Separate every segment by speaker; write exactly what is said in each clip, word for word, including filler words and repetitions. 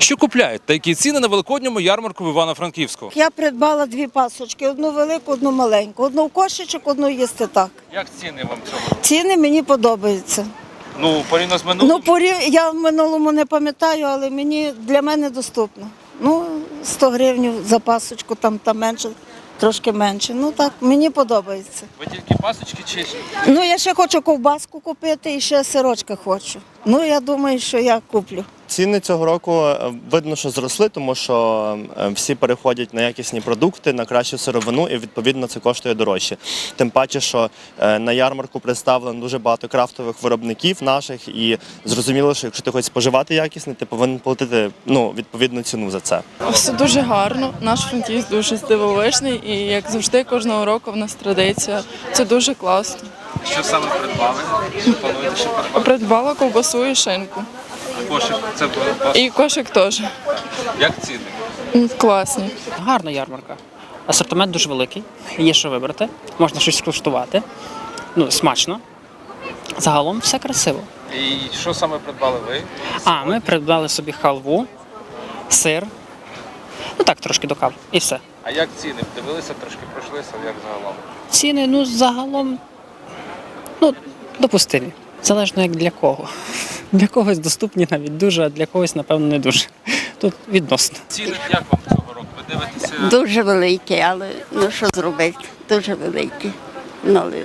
Speaker 1: Що купляють та які ціни на великодньому ярмарку в Івано-Франківську?
Speaker 2: Я придбала дві пасочки, одну велику, одну маленьку. Одну в кошечок, одну їсти так.
Speaker 1: Як ціни вам цього?
Speaker 2: Ціни мені подобаються.
Speaker 1: Ну, порівняно з минулим?
Speaker 2: Ну, порів... я в минулому не пам'ятаю, але мені для мене доступно. Ну, сто гривень за пасочку, там, там менше, трошки менше. Ну так, мені подобається.
Speaker 1: Ви тільки пасочки чи?
Speaker 2: Ну, я ще хочу ковбаску купити і ще сирочка хочу. Ну, я думаю, що я куплю.
Speaker 3: Ціни цього року видно, що зросли, тому що всі переходять на якісні продукти, на кращу сировину і відповідно це коштує дорожче. Тим паче, що на ярмарку представлено дуже багато крафтових виробників наших і зрозуміло, що якщо ти хочеш споживати якісне, ти повинен платити ну, відповідну ціну за це.
Speaker 4: Все дуже гарно, наш Франківськ дуже здивовижний і як завжди кожного року в нас традиція. Це дуже класно.
Speaker 1: Що саме придбали? Що плануєте ще придбати?
Speaker 4: Придбала ковбасу і шинку.
Speaker 1: Кошик, це ваш.
Speaker 4: І кошик теж.
Speaker 1: Як ціни?
Speaker 4: М, Класні.
Speaker 5: Гарна ярмарка. Асортимент дуже великий, є що вибрати, можна щось скуштувати. Ну, смачно. Загалом все красиво.
Speaker 1: І що саме придбали ви?
Speaker 5: А, ми придбали собі халву, сир, ну так, трошки до кави і все.
Speaker 1: А як ціни? Дивилися, трошки пройшлися, як загалом?
Speaker 5: Ціни, ну, загалом, ну, допустимі. Залежно як для кого. Для когось доступні навіть дуже, а для когось, напевно, не дуже. Тут відносно.
Speaker 1: Ціни як вам цього року? Ви дивитеся?
Speaker 6: Дуже великі, але ну що зробити? Дуже великі. Ну, але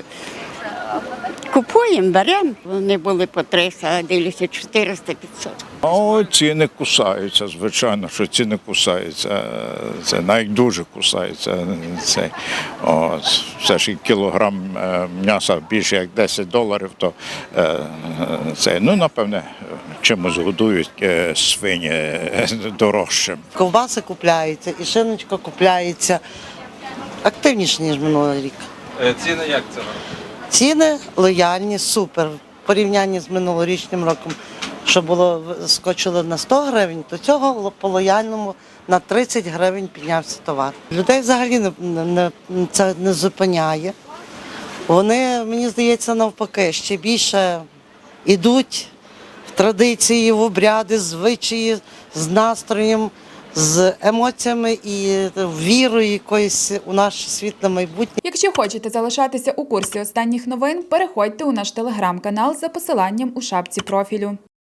Speaker 6: купуємо, беремо. Вони були по триста, а дивлюся чотириста п'ятсот.
Speaker 7: О, ціни кусаються, звичайно, що ціни кусаються. Це навіть дуже кусаються. Це, от, все ж і кілограм м'яса більше як десять доларів, то це, ну, напевне, чимось годують свині дорожчим.
Speaker 8: Ковбаси купляються, і шиночка купляється активніше, ніж минулий рік.
Speaker 1: Ціни як цього року?
Speaker 8: Ціни лояльні, супер. В порівнянні з минулорічним роком, що було скочило на сто гривень, то цього по лояльному на тридцять гривень піднявся товар. Людей взагалі не, не, це не зупиняє. Вони, мені здається, навпаки, ще більше йдуть в традиції, в обряди, звичаї, з настроєм, з емоціями і вірою якоюсь у наше світле майбутнє.
Speaker 9: Якщо хочете залишатися у курсі останніх новин, переходьте у наш телеграм-канал за посиланням у шапці профілю.